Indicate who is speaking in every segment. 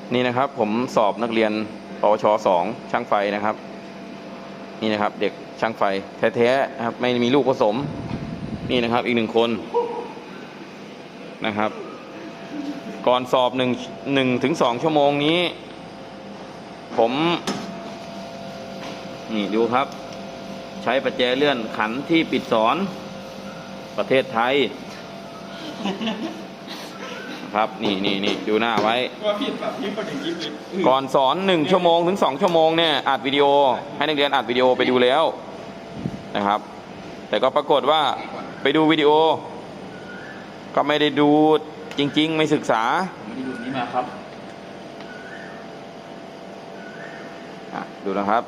Speaker 1: นี่นะครับผมสอบนักเรียนปวช2ช่างไฟนะครับนี่นะครับเด็กช่างไฟแท้ๆนะครับไม่มีลูกผสมนี่นะครับอีก1 คนนะครับก่อนสอบ1 ถึง 2 ชั่วโมงนี้ผมนี่ดูครับใช้ประแจเลื่อนขันที่ปิดสอนประเทศไทยครับนี่ดูหน้าไว้ก่อนสอน1 ชั่วโมงถึง 2 ชั่วโมงเนี่ยอัดวิดีโอให้นักเรียนอัดวิดีโอไปดูแล้วนะครับแต่ก็ปรากฏว่าไปดูวิดีโอก็ไม่ได้ดูจริงๆไม่ศึกษา
Speaker 2: ไม่ได้ดูนี้มาครับ
Speaker 1: ดูนะครับ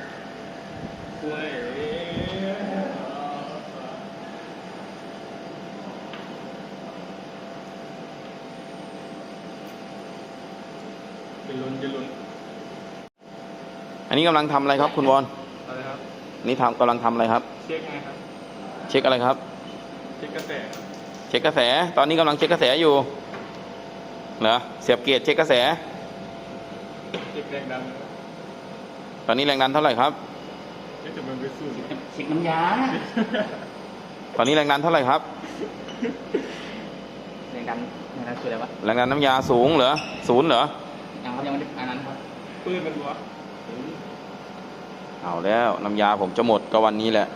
Speaker 2: จะลุ้น
Speaker 1: อันนี้กำลังทำอะไรครับคุณวอน
Speaker 2: อะไรครับ
Speaker 1: นี่กำลังทำอะไรครับ
Speaker 2: เช็คไงครับ
Speaker 1: เช็คอะไรครับ
Speaker 2: เช็คกระแส
Speaker 1: เช็คกระแสตอนนี้กำลังเช็คกระแสอยู่เหรอเสียบเกียร์เช็คกระแส
Speaker 2: เช็คแรงดัน
Speaker 1: ตอนนี้แรงดันเท่าไหร่ครับ
Speaker 2: เช็คน้ำยา
Speaker 1: ตอนนี้แรงดันเท่าไหร่ครับ
Speaker 2: แรงดันคืออะไรวะ
Speaker 1: แรงดันน้ำยาสูงเหรอ0เหรอ
Speaker 2: ยังไม่ได้อันนั้นครับปืนมันวะ
Speaker 1: เอาแล้วน้ำยาผมจะหมดก็วันนี้แหละ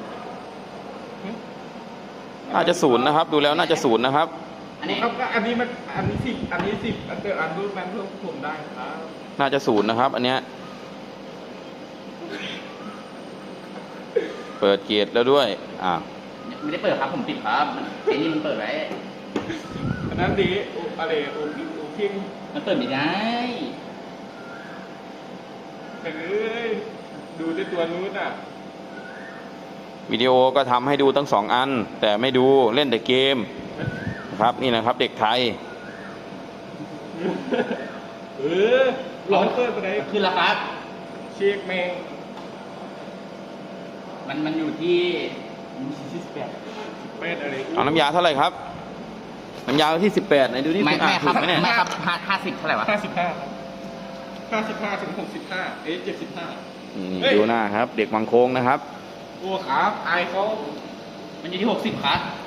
Speaker 1: น่าจะ0นะครับดูแล้วน่าจะ0นะครับ
Speaker 2: อันนี้ครับอันนี้10อันรูปมันเพิ่มผมได้ครับ
Speaker 1: น่าจะ0นะครับอันเนี้ยเปิดเกียร์แล้วด้วย
Speaker 2: ไม่ได้เปิดครับผมปิดครับไอ้นี่มันเปิดไว้อันนั้นดีอะไรโอพิงมันเปิดไม่ได้เฮ้ยดูด้วยตัวนู้น
Speaker 1: วิดีโอก็ทำให้ดูทั้ง2 อันแต่ไม่ดูเล่นแต่เกมครับนี่นะครับเด็กไทย
Speaker 2: ร้องเปิดไปไหนขึ้นแล้วครับเช็คแมงมันอยู่ที่18อะไร
Speaker 1: เอาน้ำยาเท่าไหร่ครับน้ำยาที่18ไหนดูนี่
Speaker 2: ไม่ครับ
Speaker 1: ไม่
Speaker 2: ครับ50เท่าไหร่วะ55ถึง6575
Speaker 1: ดูหน้าครับเด็กวังโค้งนะครับ
Speaker 2: โอ้ครับไอเขามันอยู่ที่60ครับ